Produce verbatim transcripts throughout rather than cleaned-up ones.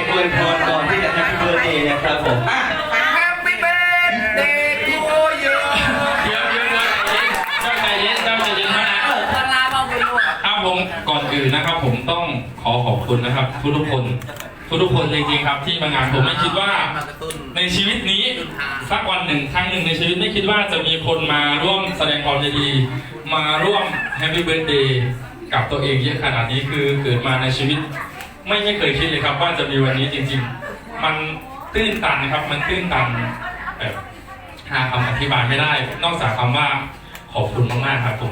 อวยพรก่อนที่จะ Happy Birthday นะครับผมอ่ะ Happy Birthday to you เดี๋ยวเดี๋ยวเดี๋ยวใจเย็นใจเย็นใจเย็นมากเออพลาบ้าบุญลูกครับผมก่อนอื่นนะครับ ผมต้องขอขอบคุณนะครับ ทุกทุกคนทุกทุกคนจริงๆครับที่มางานผมไม่คิดว่าในชีวิตนี้สักวันหนึ่งครั้งหนึ่งในชีวิตไม่คิดว่าจะมีคนมาร่วมแสดงความยินดีมาร่วม Happy Birthday กับตัวเองเยอะขนาดนี้คือเกิดมาในชีวิตไม่ไม่เคยคิดเลยครับว่าจะมีวันนี้จริงๆมันตื้นตันนะครับมันตื้นตันแบบหาคำอธิบายไม่ได้ นอกจากคำว่าขอบคุณมากๆครับผม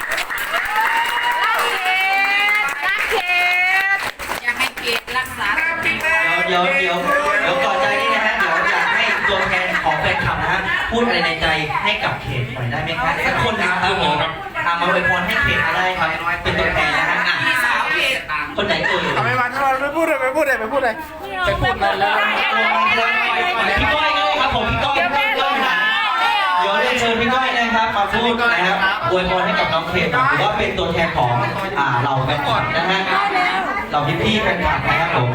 อยากให้เกศรักษาเดี๋ยวเดี๋ยวเดี๋ยวเดี๋ยวก่อนใจนี่นะฮะเดี๋ยวอยากให้ตัวแทนของแฟนคลับนะฮะพูดอะไรในใจให้กับเขตหน่อยได้ไหมครับสักคนนะครับผมทำมาอวยพรให้เขตอะไรครับเป็นตัวแทนนะฮะอ่ะพี่สาวเกศคนไหนเอ่ยทำไมมันไม่พูดเลยไม่พูดเลยไม่พูดเลยไปพูดมาแล้วพี่ก้อยเลยครับผมพี่ก้อยพี่ก้อยนะเดี๋ยวเรียนเชิญพี่ก้อยนะครับมาพูดนะครับอวยพรให้กับน้องเขตหรือว่าเป็นตัวแทนของอ่าเราแฟนคลับนะฮะเราพี่พี่ๆแฟนคลับนะครับผม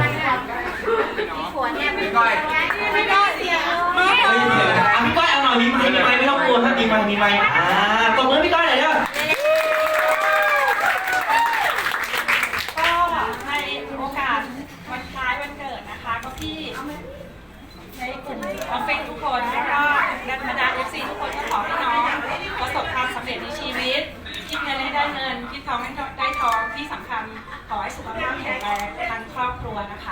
พี่ก้อยเฮ้ยเดี๋ยวนะอ่ะพี่ก้อยเอาหน่อยมีไม้มีไม้ไม่ต้องกลัวถ้ามีไม้มีไม้อ่าตบมือพี่ก้อยหน่อยเด้อก็ในโอกาสวันคล้ายวันเกิดนะคะ ก็พี่ในกลุ่มออฟฟิศทุกคนแล้วก็นักบรรดาเอฟซีทุกคนก็ขอให้น้องประสบความสำเร็จในชีวิต คิดเงินให้ได้เงิน คิดทองให้ได้ทองที่สำคัญขอให้สุขภาพแข็งแรงทั้งครอบครัวนะคะ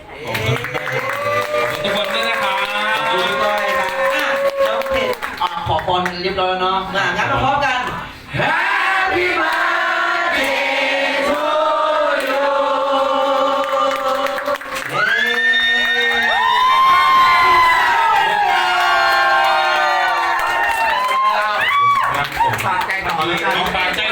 ทุกคนด้วยนะครับขอบคุณพี่ก้อยครับอ่ะแล้วเขตอ่ะขอพรเรียบร้อยแล้วเนาะอ่ะงั้นมาพร้อมกัน Happy birthday to you ครับผมฝากใจต่อเลยน้องปากใจ